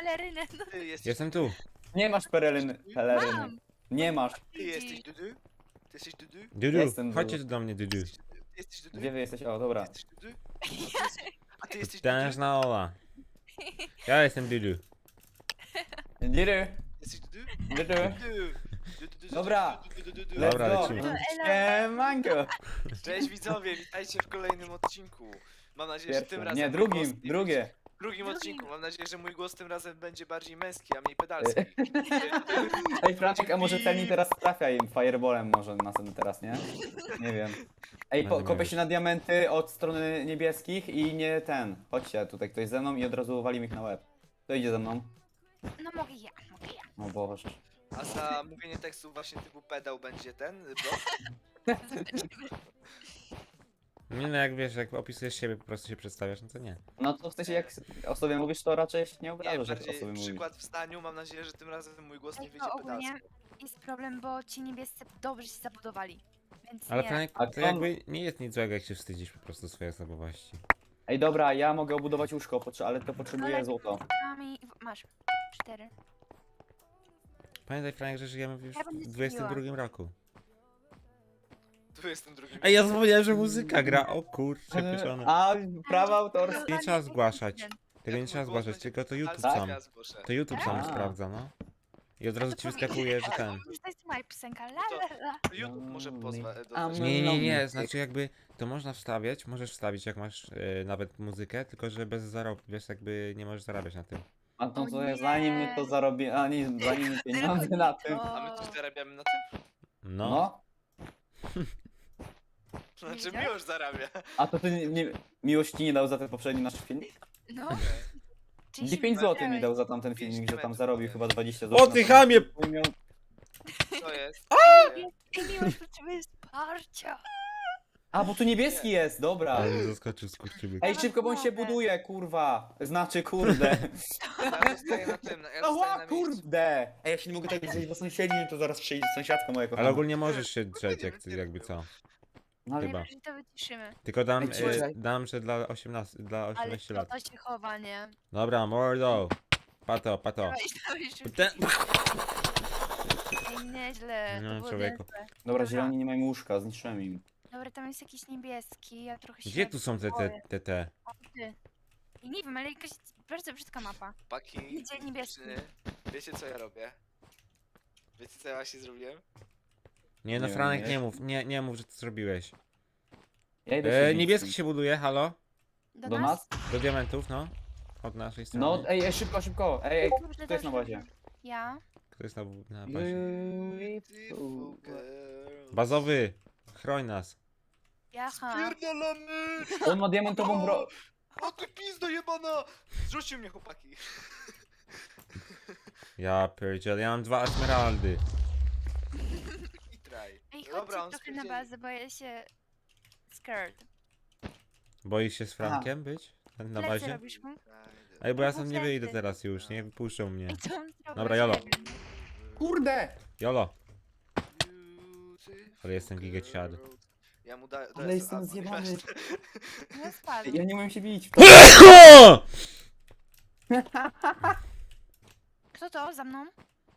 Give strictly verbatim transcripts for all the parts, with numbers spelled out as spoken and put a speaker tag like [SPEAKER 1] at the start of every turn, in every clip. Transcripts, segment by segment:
[SPEAKER 1] pelerynę. No.
[SPEAKER 2] Ty jesteś,
[SPEAKER 3] Jestem tu.
[SPEAKER 4] Nie masz pereryny. peleryny.
[SPEAKER 1] Mam.
[SPEAKER 4] Nie masz.
[SPEAKER 2] ty jesteś Dudu? Ty jesteś Dudu?
[SPEAKER 3] Dudu,
[SPEAKER 4] Jestem
[SPEAKER 3] chodźcie
[SPEAKER 4] Dudu.
[SPEAKER 3] tu do mnie, Dudu.
[SPEAKER 2] Ty jesteś Dudu?
[SPEAKER 4] Gdzie wy jesteś? O,
[SPEAKER 2] Ty
[SPEAKER 4] dobra.
[SPEAKER 2] jesteś Dudu? A ty jesteś Dudu?
[SPEAKER 3] Tężna Ola. Ja jestem Dudu.
[SPEAKER 4] Diry.
[SPEAKER 2] Jesteś Dudu?
[SPEAKER 4] Diry.
[SPEAKER 2] Dudu.
[SPEAKER 4] Dobra.
[SPEAKER 2] Dudu.
[SPEAKER 4] Let's
[SPEAKER 3] Dobra,
[SPEAKER 4] go.
[SPEAKER 3] lecimy.
[SPEAKER 4] Siemanko.
[SPEAKER 2] Cześć widzowie, witajcie w kolejnym odcinku. Mam nadzieję, że tym
[SPEAKER 4] Pierwszy.
[SPEAKER 2] razem...
[SPEAKER 4] Nie,
[SPEAKER 2] mój
[SPEAKER 4] drugim,
[SPEAKER 2] głos nie
[SPEAKER 4] drugie.
[SPEAKER 2] będzie- W drugim odcinku. Mam nadzieję, że mój głos tym razem będzie bardziej męski, a mniej pedalski.
[SPEAKER 4] Ej, Franczek, a może celni teraz trafia im fireballem może następny teraz, nie? Nie wiem. Ej, po,
[SPEAKER 3] Będę
[SPEAKER 4] kopię
[SPEAKER 3] miał.
[SPEAKER 4] się na diamenty od strony niebieskich i nie ten. Chodźcie, tutaj ktoś ze mną i od razu walim ich na łeb. Kto idzie ze mną?
[SPEAKER 1] No mogę ja, mogę ja.
[SPEAKER 4] O Boże.
[SPEAKER 2] A za mówienie tekstu właśnie typu pedał będzie ten blok?
[SPEAKER 3] Nie no, jak wiesz, jak opisujesz siebie, po prostu się przedstawiasz, no to nie.
[SPEAKER 4] No to w sensie jak o sobie mówisz, to raczej się nie
[SPEAKER 2] Nie,
[SPEAKER 4] obrażasz, jak o
[SPEAKER 2] bardziej
[SPEAKER 4] sobie mówisz.
[SPEAKER 2] przykład w staniu. Mam nadzieję, że tym razem mój głos nie
[SPEAKER 1] Ej,
[SPEAKER 2] wyjdzie
[SPEAKER 1] to ogólnie
[SPEAKER 2] pedalski.
[SPEAKER 1] jest problem, bo ci niebiescy dobrze się zabudowali. Więc
[SPEAKER 3] Ale
[SPEAKER 1] nie.
[SPEAKER 3] Franek,
[SPEAKER 4] A
[SPEAKER 3] to
[SPEAKER 4] to-
[SPEAKER 3] jakby nie jest nic złego, jak się wstydzisz po prostu swojej osobowości.
[SPEAKER 4] Ej, dobra, ja mogę obudować łóżko, potrze- ale to potrzebuję
[SPEAKER 1] Ale-
[SPEAKER 4] złoto.
[SPEAKER 1] Mami, masz. Cztery.
[SPEAKER 3] Pamiętaj, Franek, że żyjemy już
[SPEAKER 1] Ja będę
[SPEAKER 3] w dwudziestym drugim roku.
[SPEAKER 2] Tu jestem drugim.
[SPEAKER 3] Ej, ja zapomniałem, że muzyka gra, o kurczę, pieczone.
[SPEAKER 4] A, prawa autorskie.
[SPEAKER 3] Nie trzeba zgłaszać. Tego
[SPEAKER 2] Jak
[SPEAKER 3] nie
[SPEAKER 2] mój
[SPEAKER 3] trzeba
[SPEAKER 2] głos
[SPEAKER 3] zgłaszać,
[SPEAKER 2] będzie
[SPEAKER 3] tylko to YouTube
[SPEAKER 2] pedalski,
[SPEAKER 3] sam.
[SPEAKER 2] ja zgłoszę.
[SPEAKER 3] To YouTube sam
[SPEAKER 4] A.
[SPEAKER 3] sprawdza, no. I od razu
[SPEAKER 1] To
[SPEAKER 3] ci
[SPEAKER 1] powinien-
[SPEAKER 3] wyskakuje, że ten.
[SPEAKER 1] Że to jest moja piosenka. La,
[SPEAKER 2] To-
[SPEAKER 1] la, la.
[SPEAKER 2] YouTube może pozwa...
[SPEAKER 4] A,
[SPEAKER 2] dodać.
[SPEAKER 3] Nie, nie, nie,
[SPEAKER 4] No,
[SPEAKER 3] znaczy jakby to można wstawiać, możesz wstawić jak masz e, nawet muzykę, tylko że bez zarobku, wiesz, jakby nie możesz zarabiać na tym.
[SPEAKER 4] A to
[SPEAKER 1] O
[SPEAKER 4] co,
[SPEAKER 1] nie.
[SPEAKER 4] zanim my to zarobimy, a nie, zanim my pieniądze na tym.
[SPEAKER 2] A my coś zarabiamy na tym?
[SPEAKER 3] No.
[SPEAKER 4] No.
[SPEAKER 2] Znaczy
[SPEAKER 1] widziałeś?
[SPEAKER 2] miłość zarabia.
[SPEAKER 4] A to ty nie, nie, miłość ci nie dał za ten poprzedni nasz filmik?
[SPEAKER 1] No. Czyli
[SPEAKER 4] Nie
[SPEAKER 1] się
[SPEAKER 4] pięć złotych mi
[SPEAKER 1] wybrałeś.
[SPEAKER 4] dał za tamten
[SPEAKER 2] Pięć
[SPEAKER 4] filmik, że tam
[SPEAKER 2] diamentów
[SPEAKER 4] zarobił
[SPEAKER 2] mogę.
[SPEAKER 4] chyba dwadzieścia
[SPEAKER 3] O
[SPEAKER 4] złotych.
[SPEAKER 3] ty chamie!
[SPEAKER 2] Co jest?
[SPEAKER 1] Ej, miłość potrzebuje wsparcia.
[SPEAKER 4] A, bo tu niebieski jest, dobra.
[SPEAKER 3] Ale mnie zaskoczył skurczybyk.
[SPEAKER 4] Ej, szybko, bo on się buduje, kurwa. Znaczy, kurde.
[SPEAKER 2] Ja zostaję na tym, ja zostaję
[SPEAKER 4] Ała,
[SPEAKER 2] na miejscu.
[SPEAKER 4] kurde. Ej, ja się nie mogę tak zejść, bo sąsiedzi, to zaraz przyjdzie sąsiadka moja kochana.
[SPEAKER 3] Ale ogólnie możesz się drzeć, jak, jakby co.
[SPEAKER 4] No, ale
[SPEAKER 3] chyba.
[SPEAKER 1] Najwyżej to wyciszymy.
[SPEAKER 3] Tylko dam,
[SPEAKER 4] Ej,
[SPEAKER 3] e,
[SPEAKER 4] czekaj.
[SPEAKER 3] dam, że dla osiemnastu, dla
[SPEAKER 1] Ale
[SPEAKER 3] osiemnastu
[SPEAKER 1] to,
[SPEAKER 3] lat.
[SPEAKER 1] to się chowa, nie?
[SPEAKER 3] Dobra, mordo. Pato, pato.
[SPEAKER 1] Dawaj, dawaj szybko.
[SPEAKER 3] Ten...
[SPEAKER 1] Ej, nieźle.
[SPEAKER 3] No,
[SPEAKER 1] to było
[SPEAKER 3] człowieku.
[SPEAKER 1] niezłe.
[SPEAKER 4] Dobra, zieloni nie mają łóżka, zniszczyłem im.
[SPEAKER 1] Dobra, tam jest jakiś niebieski, ja trochę się
[SPEAKER 3] Gdzie tu są te, te,
[SPEAKER 1] boję.
[SPEAKER 3] te, te?
[SPEAKER 1] O, ty. I nie wiem, ale jakaś bardzo brzydka mapa.
[SPEAKER 2] Paki,
[SPEAKER 1] Idzie niebieski.
[SPEAKER 2] dziewczyny, wiecie co ja robię? Wiecie co ja właśnie zrobiłem?
[SPEAKER 3] Nie no,
[SPEAKER 4] Nie wiem,
[SPEAKER 3] Franek,
[SPEAKER 4] nie.
[SPEAKER 3] nie mów, nie, nie mów, że to zrobiłeś.
[SPEAKER 4] Ja idę
[SPEAKER 3] E,
[SPEAKER 4] się
[SPEAKER 3] niebieski
[SPEAKER 4] bić.
[SPEAKER 3] się buduje, halo?
[SPEAKER 1] Do,
[SPEAKER 4] Do
[SPEAKER 1] nas?
[SPEAKER 4] nas?
[SPEAKER 3] Do diamentów, no. Od naszej strony.
[SPEAKER 4] No, ej, ej, szybko, szybko. Ej, ej,
[SPEAKER 1] Dobrze,
[SPEAKER 4] kto jest na
[SPEAKER 1] dobrze.
[SPEAKER 4] bazie?
[SPEAKER 1] Ja.
[SPEAKER 3] Kto jest na, na bazie?
[SPEAKER 2] Beautiful girl.
[SPEAKER 3] Bazowy, chroń nas.
[SPEAKER 1] Jaha.
[SPEAKER 2] Pierdolony!
[SPEAKER 4] On ma diamentową bro...
[SPEAKER 2] O ty pizdo jebana! Zrzucił mnie chłopaki.
[SPEAKER 3] Ja pierdziel, ja mam dwa esmeraldy.
[SPEAKER 2] I traj.
[SPEAKER 1] Ej,
[SPEAKER 2] Dobra,
[SPEAKER 1] chodźcie
[SPEAKER 2] on
[SPEAKER 1] trochę na
[SPEAKER 2] spierdzieli.
[SPEAKER 1] bazę, bo ja się... Scared.
[SPEAKER 3] Boisz się z Frankiem być? Na
[SPEAKER 1] Plecy
[SPEAKER 3] bazie?
[SPEAKER 1] robisz mu?
[SPEAKER 3] Ej, bo ja
[SPEAKER 1] No
[SPEAKER 3] stąd nie
[SPEAKER 1] plecy.
[SPEAKER 3] wyjdę teraz już, nie wypuszczą mnie.
[SPEAKER 1] Ej, co on zrobił?
[SPEAKER 3] Dobra, jolo.
[SPEAKER 1] Nie wiem.
[SPEAKER 4] Kurde!
[SPEAKER 3] Jolo.
[SPEAKER 2] Beautiful
[SPEAKER 3] Ale jestem gigeciad.
[SPEAKER 2] girl. Ja mu daję.
[SPEAKER 4] Ale jestem zjebany.
[SPEAKER 1] No spadł.
[SPEAKER 4] Ja nie umiem się bić.
[SPEAKER 1] Kto to? Za mną?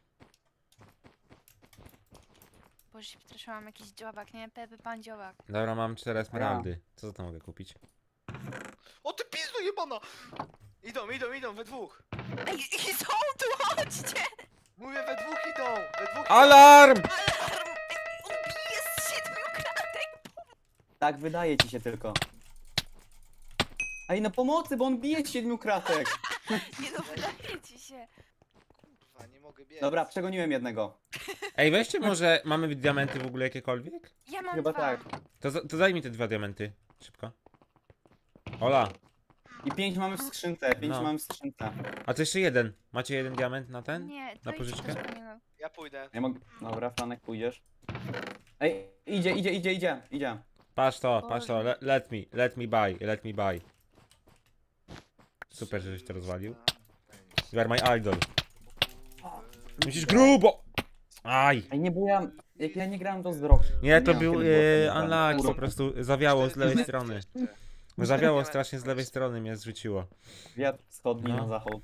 [SPEAKER 1] Boże, się przestraszyłam, jakiś dziobak, nie? Pepe pan dziobak.
[SPEAKER 3] Dobra, mam cztery esmeraldy. Co za to mogę kupić?
[SPEAKER 2] O ty pizdo jebana! Idą, idą, idą, we dwóch.
[SPEAKER 1] Ej, i są tu, chodźcie!
[SPEAKER 2] Mówię, we dwóch idą! We dwóch idą.
[SPEAKER 3] Alarm!
[SPEAKER 1] Alarm! On bije z siedmiu kratek!
[SPEAKER 4] Tak, wydaje ci się tylko. Ej, no pomocy, bo on bije z siedmiu kratek.
[SPEAKER 1] Nie no, wydaje ci się.
[SPEAKER 2] Kurwa, nie mogę biec.
[SPEAKER 4] Dobra, przegoniłem jednego.
[SPEAKER 3] Ej, weźcie może, mamy diamenty w ogóle jakiekolwiek?
[SPEAKER 1] Ja mam
[SPEAKER 4] Chyba
[SPEAKER 1] dwa.
[SPEAKER 4] tak.
[SPEAKER 3] To, za- to daj mi te dwa diamenty. Szybko. Ola,
[SPEAKER 4] I pięć mamy w skrzynce, pięć
[SPEAKER 3] No.
[SPEAKER 4] mamy w skrzynce.
[SPEAKER 3] a to jeszcze jeden. Macie jeden diament na ten?
[SPEAKER 1] Nie,
[SPEAKER 3] Na
[SPEAKER 1] to
[SPEAKER 3] pożyczkę?
[SPEAKER 1] idź, to zmieniłem.
[SPEAKER 2] Ja pójdę.
[SPEAKER 4] Ja mogę... Dobra, Franek, pójdziesz. Ej, idzie, idzie, idzie, idzie, idzie.
[SPEAKER 3] Patrz to, patrz to, Le, let me, let me buy, let me buy. Super, żeś to rozwalił. You are my idol. Musisz grubo! Aj!
[SPEAKER 4] Ej, nie, bo ja... Jak ja nie grałem, to z rok.
[SPEAKER 3] Nie, to
[SPEAKER 4] miałem
[SPEAKER 3] był
[SPEAKER 4] kiedy było
[SPEAKER 3] e,
[SPEAKER 4] tak
[SPEAKER 3] unluck,
[SPEAKER 4] naprawdę.
[SPEAKER 3] po prostu zawiało z lewej strony.
[SPEAKER 2] Jeszcze.
[SPEAKER 3] Zawiało strasznie z lewej strony, mnie zrzuciło.
[SPEAKER 4] Wiatr wschodni
[SPEAKER 3] No.
[SPEAKER 4] na zachód.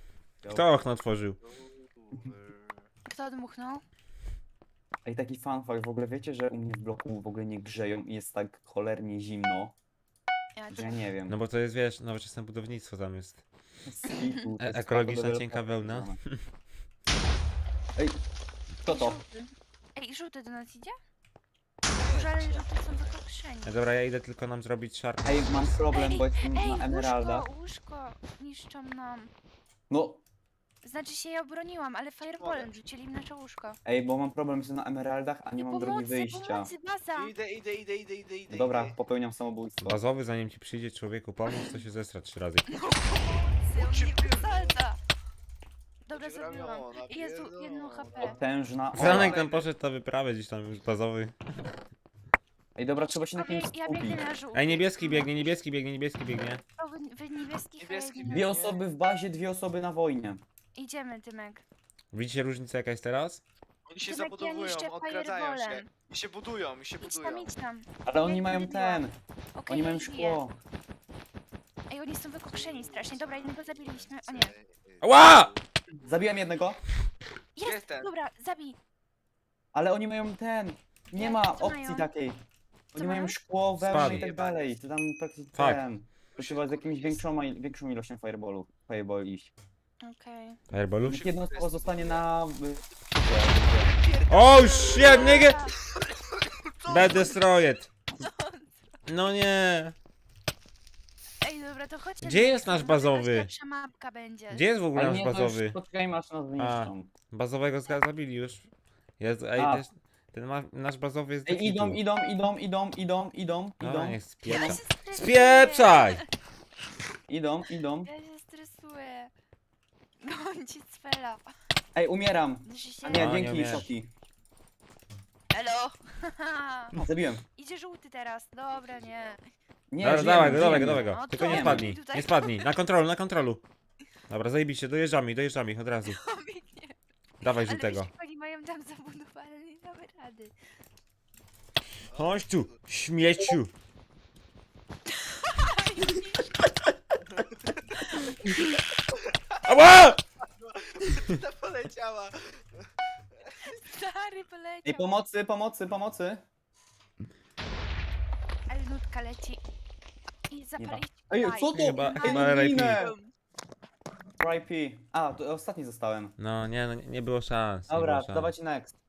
[SPEAKER 3] Kto okno otworzył?
[SPEAKER 1] Kto dmuchnął?
[SPEAKER 4] Ej, taki fun fact, w ogóle wiecie, że u mnie w bloku w ogóle nie grzeją i jest tak cholernie zimno,
[SPEAKER 1] Ja
[SPEAKER 4] że ja nie wiem.
[SPEAKER 3] No bo to jest, wiesz, nowoczesne budownictwo tam jest.
[SPEAKER 4] Skitu, to
[SPEAKER 3] E-
[SPEAKER 4] jest
[SPEAKER 3] ekologiczna,
[SPEAKER 4] bardzo
[SPEAKER 3] cienka
[SPEAKER 4] dobre
[SPEAKER 3] wełna.
[SPEAKER 4] rozwiązane. Ej, kto to?
[SPEAKER 1] Żółty. Ej, żółty do nas idzie? Może ale żółty są wykokszeni.
[SPEAKER 3] E, Dobra, ja idę tylko nam zrobić szarp.
[SPEAKER 4] Ej, mam problem,
[SPEAKER 1] Ej,
[SPEAKER 4] bo jestem
[SPEAKER 1] Ej,
[SPEAKER 4] na emeraldach.
[SPEAKER 1] łóżko, łóżko niszczą nam.
[SPEAKER 4] No,
[SPEAKER 1] Znaczy się ja obroniłam, ale fireballem rzucili im nasze łóżko.
[SPEAKER 4] ej, bo mam problem, jestem na emeraldach, a nie mam drogi
[SPEAKER 1] Pomocy,
[SPEAKER 4] wyjścia.
[SPEAKER 1] pomocy, baza!
[SPEAKER 2] Idę, idę, idę, idę, idę, idę.
[SPEAKER 4] Dobra,
[SPEAKER 2] idę.
[SPEAKER 4] popełniam samobójstwo.
[SPEAKER 3] Bazowy, zanim ci przyjdzie człowieku pomóc, to się zestra trzy razy.
[SPEAKER 1] Pomocy, on
[SPEAKER 2] Cię
[SPEAKER 1] mnie
[SPEAKER 2] pierdolę.
[SPEAKER 1] wysadza! Dobra,
[SPEAKER 2] Cię
[SPEAKER 1] zabiłam.
[SPEAKER 2] ramiona,
[SPEAKER 1] Jezu, jedno
[SPEAKER 2] pierdolę.
[SPEAKER 1] H P.
[SPEAKER 4] Potężna
[SPEAKER 3] Franek
[SPEAKER 4] ola.
[SPEAKER 3] tam poszedł na wyprawę gdzieś tam już bazowy.
[SPEAKER 4] Ej, dobra, trzeba się na kimś
[SPEAKER 1] Ja biegnę
[SPEAKER 4] skupić.
[SPEAKER 1] na żółty.
[SPEAKER 3] Ej, niebieski biegnie, niebieski biegnie, niebieski biegnie.
[SPEAKER 1] O, wy, wy niebieskich,
[SPEAKER 2] Niebieski
[SPEAKER 1] a ja nie.
[SPEAKER 4] Dwie osoby w bazie, dwie osoby na wojnie.
[SPEAKER 1] Idziemy, Tymek.
[SPEAKER 3] Widzicie różnicę jaka jest teraz?
[SPEAKER 2] Oni się
[SPEAKER 1] Tymek, ja
[SPEAKER 2] zabudowują,
[SPEAKER 1] niszczę
[SPEAKER 2] odkradzają się.
[SPEAKER 1] fireballem.
[SPEAKER 2] I się budują, i się
[SPEAKER 1] Idź tam,
[SPEAKER 2] budują.
[SPEAKER 1] idź tam.
[SPEAKER 4] Ale oni
[SPEAKER 1] Ja
[SPEAKER 4] mają
[SPEAKER 1] nie
[SPEAKER 4] ten,
[SPEAKER 1] Okej,
[SPEAKER 4] oni
[SPEAKER 1] ja
[SPEAKER 4] mają
[SPEAKER 1] ich biję.
[SPEAKER 4] szkło.
[SPEAKER 1] Ej, oni są wykokszeni strasznie. Dobra, jednego zabiliśmy. O nie.
[SPEAKER 3] Ała!
[SPEAKER 4] Zabiłem jednego,
[SPEAKER 2] Jest
[SPEAKER 1] Jest!
[SPEAKER 2] ten.
[SPEAKER 1] Dobra, zabij.
[SPEAKER 4] ale oni mają ten. Nie
[SPEAKER 1] Jak
[SPEAKER 4] ma
[SPEAKER 1] to
[SPEAKER 4] opcji
[SPEAKER 1] mają?
[SPEAKER 4] takiej.
[SPEAKER 1] Co
[SPEAKER 4] Oni
[SPEAKER 1] mają?
[SPEAKER 4] mają szkło, wełnę
[SPEAKER 3] Spadł.
[SPEAKER 4] i tak dalej. To tam praktycznie
[SPEAKER 3] Tak.
[SPEAKER 4] ten. To trzeba z jakimś większą, większą ilością fireballu, fireball iść.
[SPEAKER 1] Okej.
[SPEAKER 3] Fireballu?
[SPEAKER 4] Niech jedna osoba zostanie na...
[SPEAKER 3] Oh shit, nigga!
[SPEAKER 2] Co?
[SPEAKER 3] Bad destroyed. No nie.
[SPEAKER 1] Ej, dobra, to chodźcie.
[SPEAKER 3] Gdzie jest nasz
[SPEAKER 1] Może
[SPEAKER 3] bazowy?
[SPEAKER 1] jakaś lepsza mapka będzie.
[SPEAKER 3] Gdzie jest w ogóle
[SPEAKER 4] Ale
[SPEAKER 3] nasz
[SPEAKER 4] nie, to
[SPEAKER 3] bazowy?
[SPEAKER 4] już poczekajmy aż nas zniszczą.
[SPEAKER 3] Bazowego zga- zabili już. Jest, ej,
[SPEAKER 4] A.
[SPEAKER 3] też, ten ma, nasz bazowy jest
[SPEAKER 4] Ej,
[SPEAKER 3] do
[SPEAKER 4] idą,
[SPEAKER 3] kitu.
[SPEAKER 4] idą, idą, idą, idą, idą,
[SPEAKER 3] Dobra,
[SPEAKER 4] idą,
[SPEAKER 3] niech
[SPEAKER 1] Ja
[SPEAKER 3] spieprza.
[SPEAKER 1] się stresuję.
[SPEAKER 3] Spieprzaj!
[SPEAKER 4] idą, idą.
[SPEAKER 1] Ja się stresuję. Gońcie cfela.
[SPEAKER 4] Ej, umieram.
[SPEAKER 1] Że się...
[SPEAKER 4] A nie,
[SPEAKER 3] No, nie
[SPEAKER 4] dzięki,
[SPEAKER 3] umiesz.
[SPEAKER 4] Szoki.
[SPEAKER 1] Elo!
[SPEAKER 4] Zabiłem.
[SPEAKER 1] Idzie żółty teraz. Dobra, nie.
[SPEAKER 4] Nie,
[SPEAKER 3] Dobra,
[SPEAKER 4] żyjemy,
[SPEAKER 3] dawaj go, dawaj go,
[SPEAKER 4] żyjemy.
[SPEAKER 3] dawaj go.
[SPEAKER 1] No
[SPEAKER 3] Tylko
[SPEAKER 1] to
[SPEAKER 3] nie
[SPEAKER 4] nie
[SPEAKER 3] spadnij,
[SPEAKER 1] tutaj.
[SPEAKER 3] nie spadnij. Na kontrolu, na kontrolu. Dobra, zajebiście, dojeżdżamy, dojeżdżamy od razu.
[SPEAKER 1] Biegnie.
[SPEAKER 3] Dawaj
[SPEAKER 1] Ale
[SPEAKER 3] żółtego.
[SPEAKER 1] wiesz, jak oni mają tam zabudowane, nie damy rady.
[SPEAKER 3] Chodź tu, śmieciu. Ała!
[SPEAKER 2] Ta poleciała.
[SPEAKER 1] Stary poleciał.
[SPEAKER 4] Ej, pomocy, pomocy, pomocy.
[SPEAKER 1] Ale nutka leci. I zapalić.
[SPEAKER 4] Ej,
[SPEAKER 1] Daj.
[SPEAKER 4] co to?
[SPEAKER 3] Chyba-
[SPEAKER 4] Ej,
[SPEAKER 3] chyba
[SPEAKER 4] no
[SPEAKER 3] R I P.
[SPEAKER 4] ginę. R I P. A, to ostatni zostałem.
[SPEAKER 3] No nie, no nie, nie było szans. Nie
[SPEAKER 4] Dobra,
[SPEAKER 3] było szans.
[SPEAKER 4] dawajcie next.